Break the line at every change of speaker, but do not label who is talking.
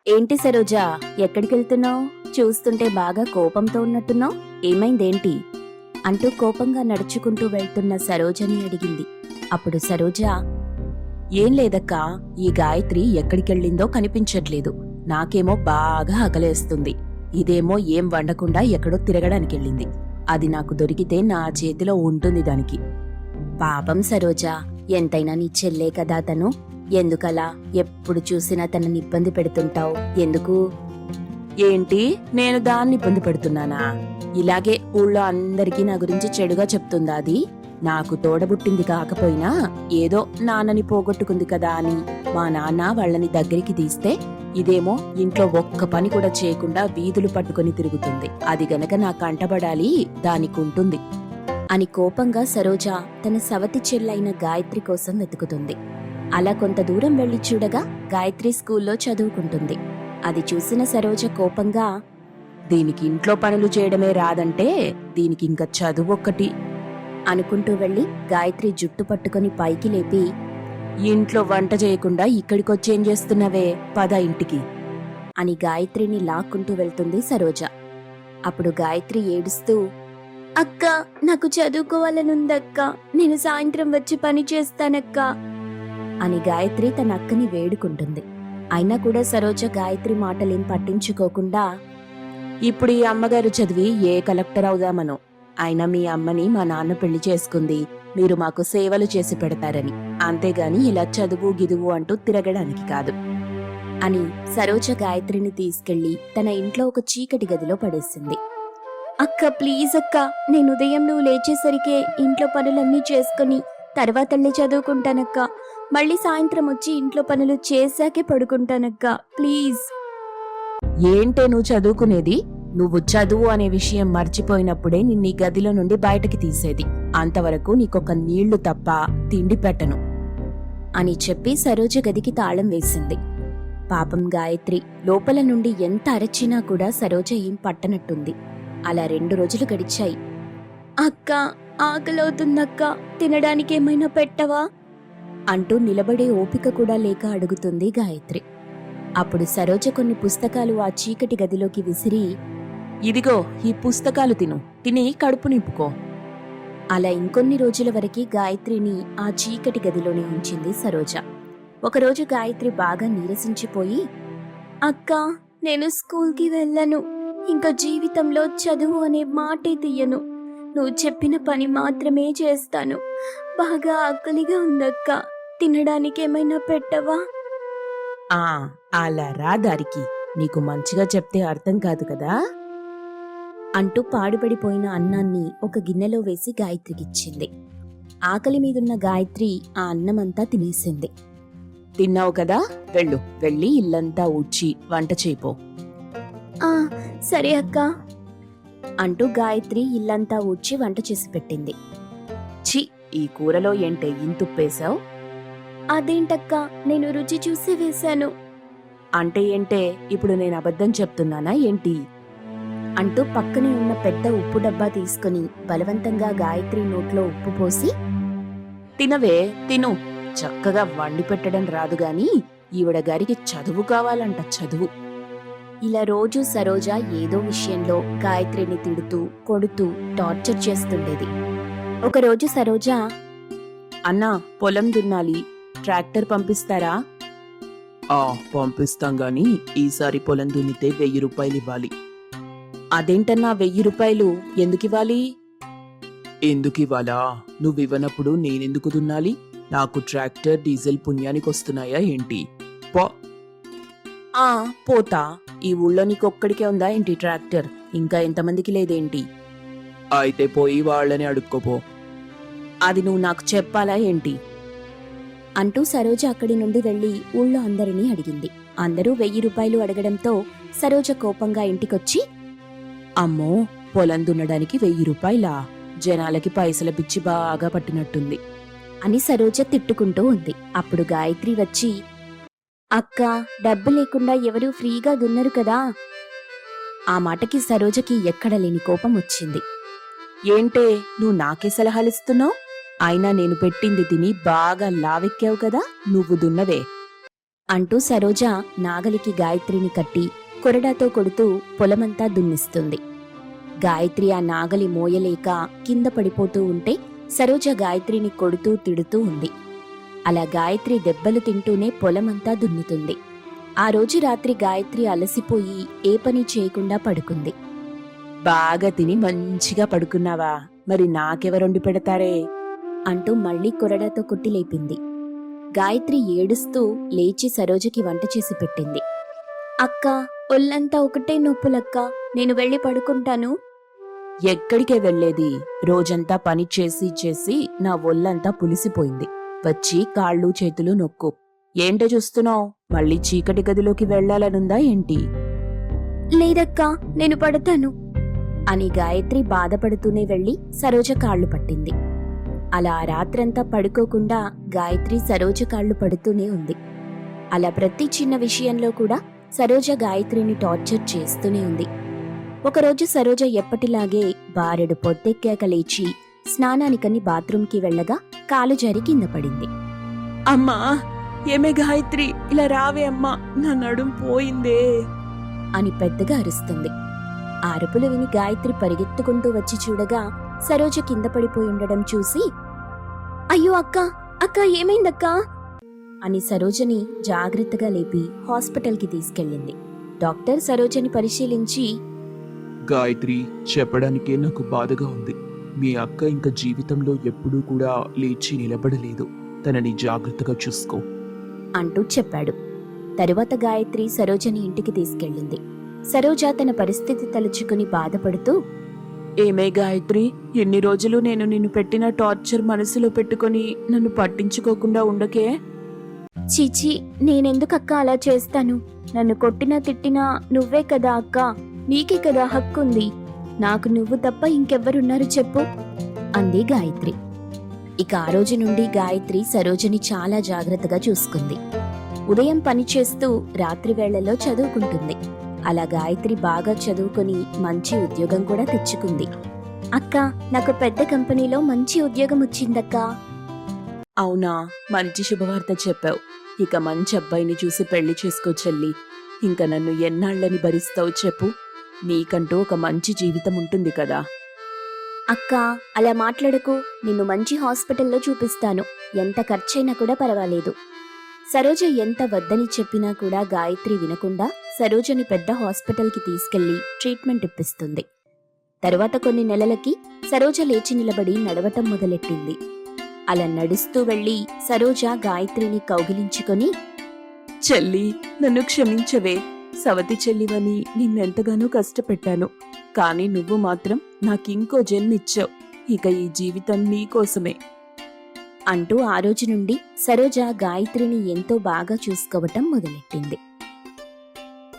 ఏంటి సరోజా, ఎక్కడికెళ్తున్నావు? చూస్తుంటే బాగా కోపంతో ఉన్నట్టున్నావు. ఏమైందేంటి? అంటూ కోపంగా నడుచుకుంటూ వెళ్తున్న సరోజని అడిగింది. అప్పుడు సరోజ, ఏం లేదక్కా, ఈ గాయత్రి ఎక్కడికెళ్ళిందో కనిపించట్లేదు. నాకేమో బాగా ఆకలేస్తుంది. ఇదేమో ఏం వండకుండా ఎక్కడో తిరగడానికెళ్ళింది. అది నాకు దొరికితే నా చేతిలో ఉంటుంది దానికి. పాపం సరోజా, ఎంతైనా నీ చెల్లే కదా తను. ఎందుకలా ఎప్పుడు చూసినా తనని ఇబ్బంది పెడుతుంటావు? ఎందుకు? ఏంటి, నేను దాన్ని ఇబ్బంది పెడుతున్నానా? ఇలాగే ఊళ్ళో అందరికీ నా గురించి చెడుగా చెప్తుందా అది? నాకు తోడబుట్టింది కాకపోయినా ఏదో నాన్నని పోగొట్టుకుంది కదా అని మా నాన్న వాళ్ళని దగ్గరికి తీస్తే ఇదేమో ఇంట్లో ఒక్క పని కూడా చేయకుండా వీధులు పట్టుకుని తిరుగుతుంది. అది గనక నా కంటబడాలి దానికుంటుంది అని కోపంగా సరోజ తన సవతి చెల్లైన గాయత్రి కోసం వెతుకుతుంది. అలా కొంత దూరం వెళ్లి చూడగా గాయత్రి స్కూల్లో చదువుకుంటుంది. అది చూసిన సరోజ కోపంగా, దీనికి ఇంట్లో పనులు చేయడమే రాదంటే దీనికి ఇంకా చదువొక్కటి అనుకుంటూ వెళ్లి గాయత్రి జుట్టు పట్టుకుని పైకి లేపి, ఇంట్లో వంట చేయకుండా ఇక్కడికొచ్చేం చేస్తున్నావే, పద ఇంటికి అని గాయత్రిని లాక్కుంటూ వెళ్తుంది సరోజ. అప్పుడు గాయత్రి ఏడుస్తూ, అక్క, నాకు చదువుకోవాలనుందక్క, నేను సాయంత్రం వచ్చి పని చేస్తానక్కా అని గాయత్రి తన అక్కని వేడుకుంటుంది. అయినా కూడా సరోజ గాయత్రి మాటలేం పట్టించుకోకుండా, ఇప్పుడు ఈ అమ్మగారు చదివి ఏ కలెక్టర్ అవుదామనో, అయినా మీ అమ్మని మా నాన్న పెళ్లి చేసుకుంది మీరు మాకు సేవలు చేసి పెడతారని, అంతేగాని ఇలా చదువు గిదువు అంటూ తిరగడానికి కాదు అని సరోజ గాయత్రిని తీసుకెళ్లి తన ఇంట్లో ఒక చీకటి గదిలో పడేసింది. అక్క, ప్లీజ్ అక్క, నేను ఉదయం నువ్వు లేచేసరికే ఇంట్లో పనులన్నీ చేసుకుని తర్వాతళ్ళి చదువుకుంటానక్క. మళ్ళీ సాయంత్రం వచ్చి ఇంట్లో పనులు చేశాకే పడుకుంటానక్క, ప్లీజ్. ఏంటే నువ్వు చదువుకునేది? నువ్వు చదువు అనే విషయం మర్చిపోయినప్పుడే నిన్నీ గదిలో నుండి బయటకి తీసేది. అంతవరకు నీకొక నీళ్లు తప్ప తిండి పెట్టను అని చెప్పి సరోజ గదికి తాళం వేసింది. పాపం గాయత్రి లోపల నుండి ఎంత అరచినా కూడా సరోజ ఏం పట్టనట్టుంది. అలా 2 రోజులు గడిచాయి. అక్క, ఆకలవుతుందక్క, తినడానికేమైనా పెట్టవా అంటూ నిలబడే ఓపిక కూడా లేక అడుగుతుంది గాయత్రి. అప్పుడు సరోజ కొన్ని పుస్తకాలు ఆ చీకటి గదిలోకి విసిరి, ఇదిగో ఈ పుస్తకాలు తిని కడుపు నింపుకో. అలా ఇంకొన్ని రోజుల వరకు గాయత్రిని ఆ చీకటి గదిలోనే ఉంచింది సరోజ. ఒకరోజు గాయత్రి బాగా నీరసించిపోయి, అక్క, నేను స్కూల్కి వెళ్ళను. ఇంకా జీవితంలో చదువు అనే మాటే తీయను. నువ్వు చెప్పిన పని మాత్రమే చేస్తాను. బాగా ఆకలిగా ఉందక్క, తినడానికేమైనా పెట్టవా? అలా రా దారికి, నీకు మంచిగా చెప్తే అర్థం కాదు కదా అంటూ పాడుపడిపోయిన అన్నాన్ని ఒక గిన్నెలో వేసి గాయత్రికిచ్చింది. ఆకలి మీదున్న గాయత్రి ఆ అన్నమంతా తినేసింది. తిన్నావు కదా, వెళ్ళి ఇల్లంతా ఊడ్చి వంట చేయిపో. సరే అక్క అంటూ గాయత్రి ఇల్లంతా ఊడ్చి వంట చేసి పెట్టింది. ఛీ, ఈ కూరలో ఏంటే ఇంతుప్పేశావు? అదేంటక్క, నేను రుచి చూసి వేశాను. అంటే ఏంటే, ఇప్పుడు నేను అబద్ధం చెప్తున్నానా ఏంటి అంటూ పక్కనే ఉన్న పెద్ద ఉప్పు డబ్బా తీసుకుని బలవంతంగా గాయత్రి నోట్లో ఉప్పు పోసి, తినవే తిను, చక్కగా వండి పెట్టడం రాదుగాని ఈవిడ గారికి చదువు కావాలంట, చదువు. ఇలా రోజు సరోజ ఏదో విషయంలో గాయత్రిని తిడుతూ కొడుతూ టార్చర్ చేస్తుండేది. ఒకరోజు సరోజ, అన్నా, పొలం దున్నాలి, ట్రాక్టర్ పంపిస్తారా?
పంపిస్తాం గాని ఈసారి పొలం దున్నితే 1000 రూపాయలు ఇవ్వాలి.
అదేంటన్నా 1000 రూపాయలు ఎందుకివ్వాలి?
ఎందుకివ్వాలా? నువ్వివ్వనప్పుడు నేనెందుకు దున్నాలి? నాకు ట్రాక్టర్ డీజిల్ పుణ్యానికి వస్తున్నాయా ఏంటి? పో.
పోతా. ఈ ఊళ్ళో నీకొక్కడికే ఉందా ఏంటి ట్రాక్టర్? ఇంకా ఎంతమందికి లేదేంటి?
అయితే పోయి వాళ్ళని అడుక్కోపో.
అది నువ్వు నాకు చెప్పాలా ఏంటి అంటూ సరోజ అక్కడి నుండి వెళ్లి ఊళ్ళో అందరినీ అడిగింది. అందరూ 1000 రూపాయలు అడగడంతో సరోజ కోపంగా ఇంటికొచ్చి, అమ్మో, పొలం దున్నడానికి 1000 రూపాయలా? జనాలకి పైసల పిచ్చి బాగా పట్టినట్టుంది అని సరోజ తిట్టుకుంటూ ఉంది. అప్పుడు గాయత్రి వచ్చి, అక్క, డబ్బు లేకుండా ఎవరూ ఫ్రీగా దున్నరు కదా. ఆ మాటకి సరోజకి ఎక్కడలేని కోపం వచ్చింది. ఏంటే, నువ్వు నాకే సలహాలిస్తున్నావు? అయినా నేను పెట్టింది తిని బాగా లావెక్కావు కదా, నువ్వు దున్నవే. అంటూ సరోజ నాగలికి గాయత్రిని కట్టి కొరడాతో కొడుతూ పొలమంతా దున్నిస్తుంది. గాయత్రి ఆ నాగలి మోయలేక కింద పడిపోతూ ఉంటే సరోజ గాయత్రిని కొడుతూ తిడుతూ ఉంది. అలా గాయత్రి దెబ్బలు తింటూనే పొలమంతా దున్నుతుంది. ఆ రోజు రాత్రి గాయత్రి అలసిపోయి ఏ పని చేయకుండా పడుకుంది.
బాగా తిని మంచిగా పడుకున్నావా? మరి నాకెవరొండి పెడతారే?
అంటూ మళ్లీ కొరడాతో కొట్టి లేపింది. గాయత్రి ఏడుస్తూ లేచి సరోజకి వంట చేసి పెట్టింది. అక్క, ఒళ్ళంతా ఒకటే నొప్పులక్క, నేను వెళ్ళి పడుకుంటాను.
ఎక్కడికే వెళ్ళేది? రోజంతా పని చేసి చేసి నా ఒళ్ళంతా పులిసిపోయింది. వచ్చి కాళ్ళు చేతులు నొక్కు. ఏంటో చూస్తున్నావు? మళ్ళీ చీకటి గదిలోకి వెళ్లాలనుందా ఏంటి?
లేదక్కా, నేను పడతాను అని గాయత్రి బాధపడుతూనే వెళ్లి సరోజ కాళ్లు పట్టింది. అలా ఆ రాత్రంతా పడుకోకుండా గాయత్రి సరోజ కాళ్లు పడుతూనే ఉంది. అలా ప్రతి చిన్న విషయంలో కూడా సరోజ గాయత్రిని టార్చర్ చేస్తూనే ఉంది. ఒకరోజు సరోజ ఎప్పటిలాగే బారెడు పొద్దెక్కాక లేచి స్నానానికని బాత్రూంకి వెళ్లగా కాలు జారి కింద పడింది.
అమ్మా, ఏమే గాయత్రి, ఇలా రావే అమ్మా, నా నడుం పోయిందే
అని పెద్దగా అరుస్తుంది. ఆ అరుపులు విని గాయత్రి పరిగెత్తుకుంటూ వచ్చి చూడగా సరోజ కింద పడిపోయి ఉండడం చూసి, అయ్యో అక్క, అక్క ఏమైందక్కా అని సరోజని జాగ్రత్తగా లేపి హాస్పిటల్కి తీసుకెళ్ళింది. డాక్టర్ సరోజని పరిశీలించి,
గాయత్రి, చెప్పడానికే నాకు బాధగా ఉంది. మీ అక్క ఇంకా జీవితంలో ఎప్పుడూ కూడా లేచి నిలబడలేదు. తనని జాగ్రత్తగా చూసుకో
అంటూ చెప్పాడు. తరువాత గాయత్రి సరోజని ఇంటికి తీసుకెళ్ళింది. సరోజ తన పరిస్థితి తలుచుకుని బాధపడుతూ,
ఏమే గాయత్రి, ఎన్ని రోజులు నేను నిన్ను పెట్టిన టార్చర్ మనసులో పెట్టుకొని నన్ను పట్టించుకోకుండా ఉండకే?
చీచి, నేనెందుకక్క అలా చేస్తాను? నన్ను కొట్టినా తిట్టినా నువ్వే కదా అక్క, నీకే కదా హక్కుంది. నాకు నువ్వు తప్ప ఇంకెవ్వరున్నారు చెప్పు అంది గాయత్రి. ఇక ఆ రోజు నుండి గాయత్రి సరోజని చాలా జాగ్రత్తగా చూసుకుంది. ఉదయం పని చేస్తూ రాత్రి వేళల్లో చదువుకుంటుంది. అలా గాయత్రి బాగా చదువుకొని మంచి ఉద్యోగం కూడా తెచ్చుకుంది. అక్క, నాకు పెద్ద కంపెనీలో మంచి ఉద్యోగం వచ్చిందక్కా.
అవునా? మంచి శుభవార్త చెప్పావు. ఇక మంచి అబ్బాయిని చూసి పెళ్లి చేసుకో చెల్లి. ఇంకా నన్ను ఎన్నాళ్ళని భరిస్తావు చెప్పు? నీకంటూ ఒక మంచి జీవితం ఉంటుంది కదా.
అక్క, అలా మాట్లాడకు. నిన్ను మంచి హాస్పిటల్లో చూపిస్తాను. ఎంత ఖర్చైనా కూడా పర్వాలేదు. సరోజ ఎంత వద్దని చెప్పినా కూడా గాయత్రి వినకుండా సరోజని పెద్ద హాస్పిటల్కి తీసుకెళ్లి ట్రీట్మెంట్ ఇప్పిస్తుంది. తరువాత కొన్ని నెలలకి సరోజ లేచి నిలబడి నడవటం మొదలెట్టింది. అలా నడుస్తూ వెళ్లి సరోజ గాయత్రిని కౌగిలించుకొని,
చెల్లి, నన్ను క్షమించవే. సవతి చెల్లివని నిన్నెంతగానో కష్టపెట్టాను. కానీ నువ్వు మాత్రం నాకింకో జన్మిచ్చావు. ఇక ఈ జీవితం నీకోసమే
అంటూ ఆ రోజు నుండి సరోజ గాయత్రిని ఎంతో బాగా చూసుకోవటం మొదలెట్టింది.